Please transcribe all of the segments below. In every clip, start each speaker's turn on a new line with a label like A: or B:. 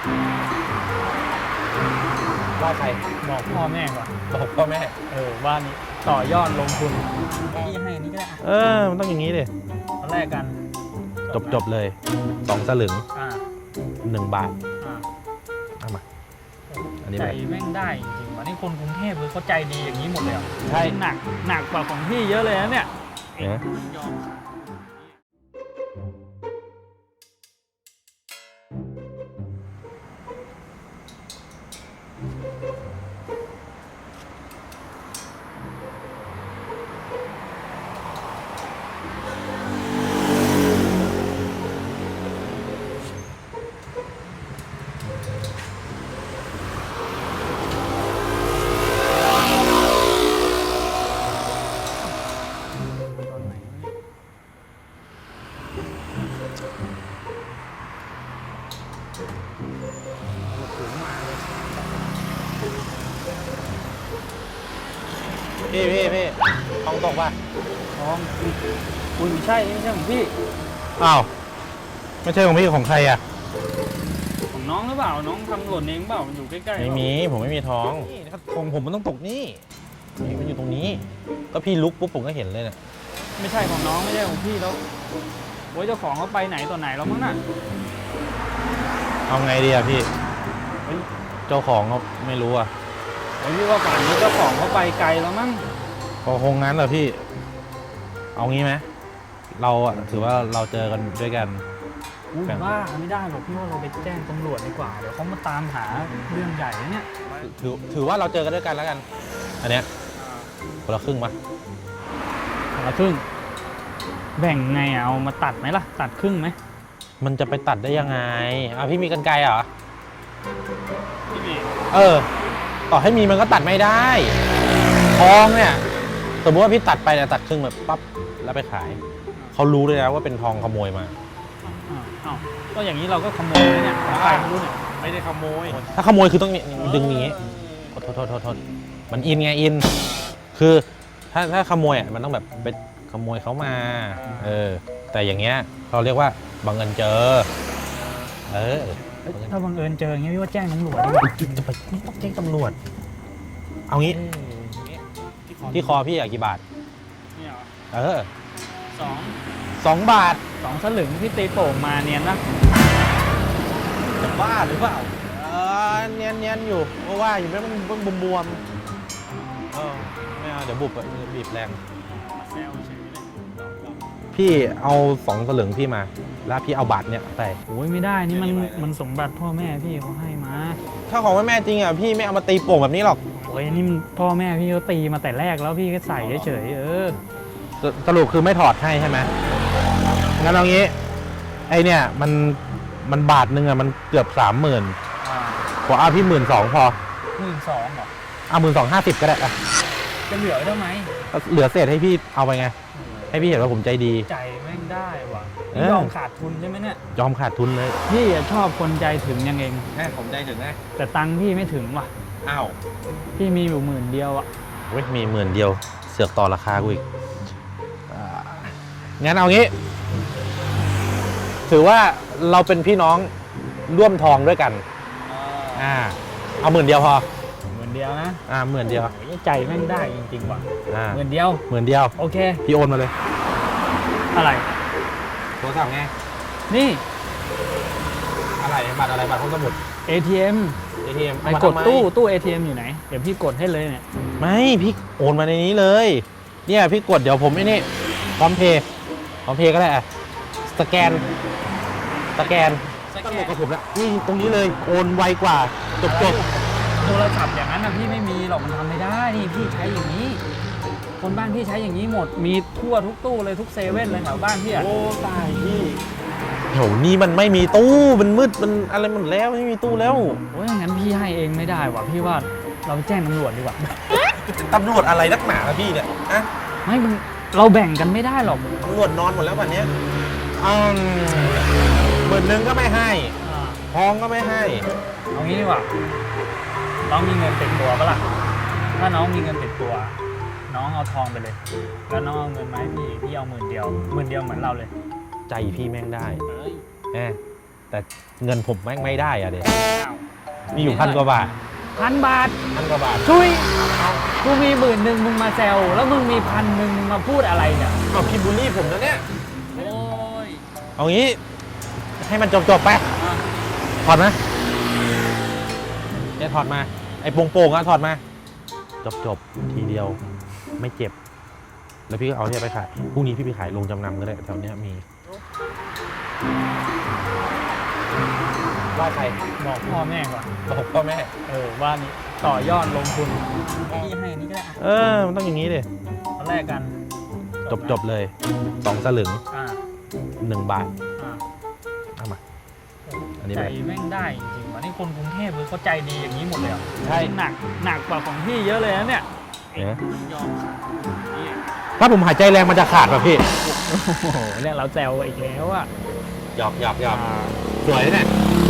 A: ว่าใคร
B: บอกพ่อแม่ก่อน
A: บอกพ่อแม่
B: ว่านี่ต่อยอดลงทุนพี่ให้อันนี้ก็ได้
A: มันต้องอย่างนี้ดิ
B: ตอนแรกกัน
A: จบเลย2 สลึง
B: อ่า
A: 1 บาท
B: อ่า
A: เอามา อันนี้
B: ใจ
A: ไป
B: แม่งได้จริงๆว่ะนี่คนกรุงเทพเลยเขาใจดีอย่างนี้หมดเลยเหรอ
A: ใช่
B: หนักกว่าของพี่เยอะเลยนะเนี่ย
A: เนี่ย
B: ยอม
A: พี่ทองตกป่ะ
B: น้องคุณไม่ใช่ของพี่
A: อ้าว ไม่ใช่ของพี่ของใครอ่ะ
B: ของน้องหรือเปล่าน้องทำหล่นเองเปล่ามันอยู่ใกล้ๆ
A: ไม่มี ผมไม่มีทองของผมมันต้องตกนี่มันอยู่ตรงนี้ ก็พี่ลุกปุ๊บผมก็เห็นเลยเนี่ย
B: ไม่ใช่ของน้องไม่ใช่ของพี่แล้วโว้ยเจ้าของเขาไปไหนต่อไหนแล้วมั้งน่ะ
A: เอาไงดีอะพี่ เจ้าของเขาไม่รู้อะ
B: โอ้ยพี่ว่าป่านนี้เจ้าของเขาไปไกลแล้วมั้ง
A: ก็คงงั้นแหละพี่ เอางี้ไหมเราอะถือว่าเราเจอกันด้วยกัน
B: อุ้ยบ้าไม่ได้หรอกพี่ว่าเราไปแจ้งตำรวจดีกว่าเดี๋ยวเขามาตามหาเรื่องใหญ่นะเนี่ย
A: ถือว่าเราเจอกันด้วยกันแล้วกัน อันเนี้ยคนละครึ่งปะ
B: คนละครึ่งแบ่งไงอะเอามาตัดไหมล่ะตัดครึ่งไหม
A: มันจะไปตัดได้ยังไงพี่มีกรรไกรเหรอ
B: พี่บี
A: ต่อให้มีมันก็ตัดไม่ได้ทองเนี่ยสมมติว่าพี่ตัดไปเนี่ยตัดครึ่งแบบปั๊บแล้วไปขายเขารู้เลยนะว่าเป็นทองขโมยมา
B: อ้าวก็อย่างนี้เราก็ขโมยเนี่ยของใครไม่รู้เนี่ย
A: ไม่ได้ขโมยถ้าขโมยคือต้องดึงอย่างนี้โทษมันอินไงอินคือถ้าขโมยอ่ะมันต้องแบบไปขโมยเขามาแต่อย่างเงี้ยเราเรียกว่าบังเอิญเจอ
B: ถ้าบังเอิญเจออย่างเงี้ยพี่ว่าแจ้งตำรวจดีกว่า
A: จะไปไม่ต้องแจ้งตำรวจเอางี้ที่คอพี่อะกี่บาท
B: เนี่ยเหรอ
A: 2 บาท
B: 2 สลึงพี่ตีโป่งมาเนียนนะ
A: จะบ้าหรือเปล่าเนียนอยู่เพราะว่าอยู่ไม่มันบวมไม่เอาเดี๋ยวบุบบีบแรงพี่เอา2 สลึงพี่มาแล้วพี่เอาบาทเนี่ยไป
B: โอ้ยไม่ได้นี่มันสมบัติพ่อแม่พี่เขาให้มา
A: ถ้าของแม่จริงอ่ะพี่ไม่เอามาตีโป่งแบบนี้หรอก
B: โอ้ยนี่มันพ่อแม่พี่เขาตีมาแต่แรกแล้วพี่ก็ใส่เฉยๆ
A: สรุปคือไม่ถอดให้ใช่ไหมงั้นเอางี้ไอเนี่ยมันบาทนึงอ่ะมันเกือบ30,000ขอเอาพี่12,000พอ
B: 12,000เหรอ
A: เอา12,50ก็ได้อะ
B: จะเหลือได้ไหม
A: เหลือเศษให้พี่เอาไปไงให้พี่เห็นว่าผมใจดี
B: ใจแม่งได้ว่ะ
A: ย
B: อมขาดทุนใช่ไหมเนี่ย
A: ยอมขาดทุนเลย
B: พี่ชอบคนใจถึงยังเอง
A: ผมใจถึงไง
B: แต่ตังค์พี่ไม่ถึงว่ะ
A: อ้าว
B: พี่มีอยู่10,000อ่ะ
A: เว้ยมี10,000เสือกต่อราคากูอีกงั้นเอางี้ ถือว่าเราเป็นพี่น้องร่วมทองด้วยกันเอา10,000พอ
B: 10,000นะ
A: 10,000
B: ใจแม่งได้จริงๆว่ะ10,000
A: 10,000
B: โอเค
A: พี่โอนมาเลย
B: อะไร
A: โทรศัพท์ไง
B: นี่
A: อะไรบัตรอะไรบัตรห้องสมุด
B: ATM ไปกดตู้ ATM อยู่ไหนเดี๋ยวพี่กดให้เลยเนี่ย
A: ไม่พี่โอนมาในนี้เลยเนี่ยพี่กดเดี๋ยวผมไอ้นี่พร้อมเพย์ก็ได้อะสแกนตั้งหมดกับผมแล้วนี่ตรงนี้เลยโอนไวกว่าจบ
B: โทรศัพท์อย่างนั้นนะพี่ไม่มีหรอกมันทำไม่ได้นี่พี่ใช้อย่างนี้คนบ้านพี่ใช้อย่างนี้หมดมีทั่วทุกตู้เลยทุกเซเว่นเลยแถวบ้านพี่อ่ะ
A: โอ้ตายพี่แถวนี้มันไม่มีตู้มันมืดมันอะไรหมดแล้วไม่มีตู้แล้ว
B: โอ้ยงั้นพี่ให้เองไม่ได้ว่ะพี่ว่าเราแจ้งตำรวจดีกว่า
A: ตำรวจอะไรนักหนาล่ะพี่เนี่ยอะ
B: ไม่เราแบ่งกันไม่ได้หรอก
A: ตำรวจนอนหมดแล้ววันนี้10,000ก็ไม่ให้ทองก็ไม่ให้
B: เอางี้ดีกว่าน้องมีเงินติดตัวปะล่ะถ้าน้องมีเงินติดตัวน้องเอาทองไปเลยแล้วน้องเอาเงินมาให้พี่เอา10,000เหมือนเราเลย
A: ใจพี่แม่งได้แต่เงินผมแม่งไม่ได้อะเด็
B: อ้าว
A: มีอยู่1,000 กว่าบาท
B: 1,000 บาท
A: 1,000 กว่าบาท
B: ช่วยกูมี10,000มึงมาแซวแล้วมึงมี1,000มาพูดอะไรเนี่ย
A: เอาพี่บูลลี่ผมนะเนี่ย
B: โอ้ย
A: เอางี้ให้มันจบไปถอดมาเนี่ยถอดมาไอ้โป่งๆอะถอดมาจบทีเดียวไม่เจ็บ แล้วพี่ก็เอาเนี่ยไปขายพรุ่งนี้พี่ไปขายโรงจำนำก็ได้แถวเนี้ยมีว่าใคร
B: บอกพ่อแม่ก่อน
A: บอกพ่อแม่
B: ว่านี่ต่อยอดลงทุนพี่ให้อันนี้ก็ได้
A: มันต้องอย่างนี้ดิ
B: ตอนแรกกัน
A: จบเลย2 สลึง
B: อ่า
A: 1 บาท
B: อ่า
A: เอามาอันนี้
B: ใจ
A: ไป
B: แม่งได้จริงๆว่ะนี่คนกรุงเทพเลยเขาใจดีอย่างนี้หมดเลยเหรอ
A: ใช่
B: หนักกว่าของพี่เยอะเลยนะเนี่ย
A: เนี่ย
B: ยอมนี่
A: ถ้าผมหายใจแรงมันจะขาดป่ะพี่
B: โอ้โหเนี่ยเราแซวอีกแล้วอะ
A: หยอกสวยเนี่ย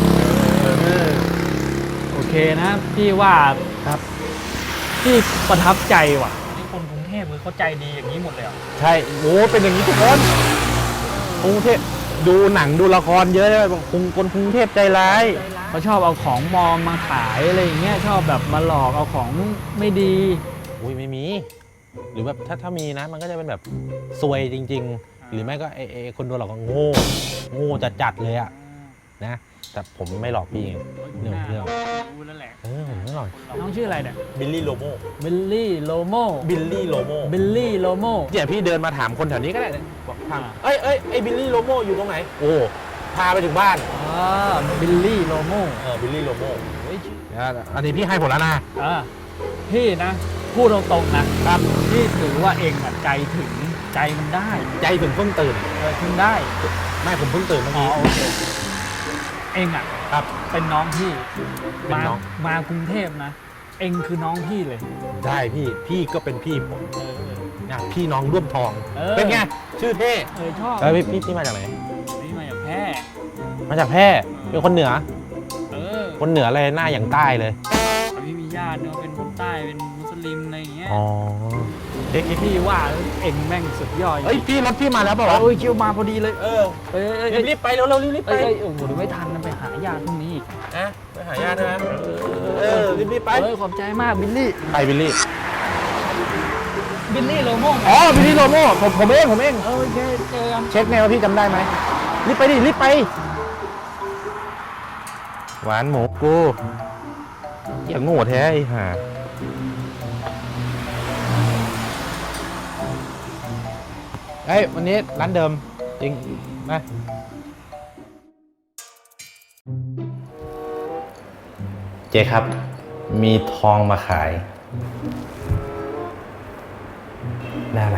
B: โอเคนะพี่ว่าครับพี่ประทับใจว่ะนี่คนกรุงเทพเลยเขาใจดีอย่างนี้หมดเลยเหรอ
A: ใช่โอ้เป็นอย่างนี้ทุกคนกรุงเทพดูหนังดูละครเยอะเลยบอกคนกรุงเทพใจร้าย
B: เขาชอบเอาของมอมมาขายอะไรอย่างเงี้ยชอบแบบมาหลอกเอาของไม่ดี
A: อุ้ยไม่มี หรือแบบถ้ามีนะมันก็จะเป็นแบบซวยจริง ๆ หรือไม่ก็ไอ้คนโดนหลอกก็โง่จัดเลยอะนะ แต่ผมไม่หลอกพี่ไงเรื่อง
B: รู้แล้วแหละ
A: ผมไม่หลอก
B: น้องชื่ออะไรเนี่ย
A: บิลลี่โลโม
B: บิลลี่โลโม
A: บิลลี่โลโม
B: บิลลี่โลโม
A: เนี่ยพี่เดินมาถามคนแถวนี้ก็ได้เนี่ยบอกถาม
B: อ่า
A: ไอ้บิลลี่โลโมอยู่ตรงไหนโอ้พาไปถึงบ้าน
B: บิลลี่โลโม
A: บิลลี่โลโมอันนี้พี่ให้ผมแล้วนะ
B: พี่นะพูดตรงๆนะครับพี่ถือว่าเองอะใจถึงใจมันได้
A: ใจถึงเพิ่งตื่น
B: ถึงได้
A: ไม่ผมเพิ่งตื่นเมื่อกี้
B: โอเคเองอะ
A: ครับ
B: เป็นน้องพี่
A: เป็นน้อง
B: มากรุงเทพนะ เองคือน้องพี่เลย
A: ได้พี่ก็เป็นพี่ผมนะพี่น้องร่วมทอง เป็นไงชื่อเท่
B: ชอบ
A: แล้วพี่มาจากไหน
B: นี่มาจากแพร่
A: มาจากแพร่เป็นคนเหนือ
B: เออ
A: คนเหนือเลยหน้าอย่างใต้เลย
B: พี่มีญาติเนาะเป็นคนใต้เป็นมุสลิมอะไรอย่างเงี้ย
A: อ๋อ
B: พี่ว่าเองแม่งสุดยอด
A: เอ้ยพี่รถพี่มาแล้วเปล่าวะ
B: โอ้ยคิวมาพอดีเลย
A: รีบไปเร็วรีบไป
B: โอ้โหเดี๋ยวไม่ทันนะไปหาญาติพรุ่งนี้อีก
A: นะไปหาญาติใช่ไหมรีบไป
B: ขอบใจมากบิลลี่
A: ใครบิลลี่
B: บิลลี่โลโม
A: อ๋อบิลลี่โลโมผมเอง
B: โอเคเจอกัน
A: เช็คไงว่าพี่จำได้ไหมรีบไปดิรีบไปหวานหมูกูอย่าโง่แท้ไอ้ห่าเอ้ยวันนี้ร้านเดิมจริงมาเจ๊ครับมีทองมาขายได้อะไร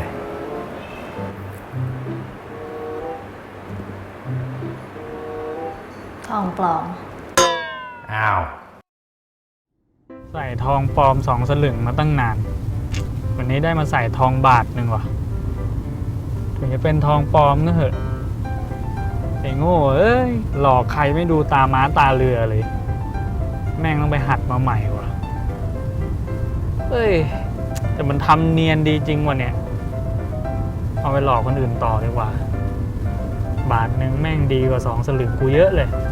C: ทองปลอม
A: อ้าว
B: ใส่ทองปลอม2 สลึงมาตั้งนาน วันนี้ได้มาใส่ทองบาทหนึ่งว่ะถึงจะเป็นทองปลอมก็เถอะไอ้โง่เอ้ยหลอกใครไม่ดูตาม้าตาเรือเลย แม่งต้องไปหัดมาใหม่ว่ะเอ้ยแต่มันทำเนียนดีจริงว่ะเนี่ยเอาไปหลอกคนอื่นต่อดีกว่า บาทหนึ่งแม่งดีกว่า2 สลึงกูเยอะเลย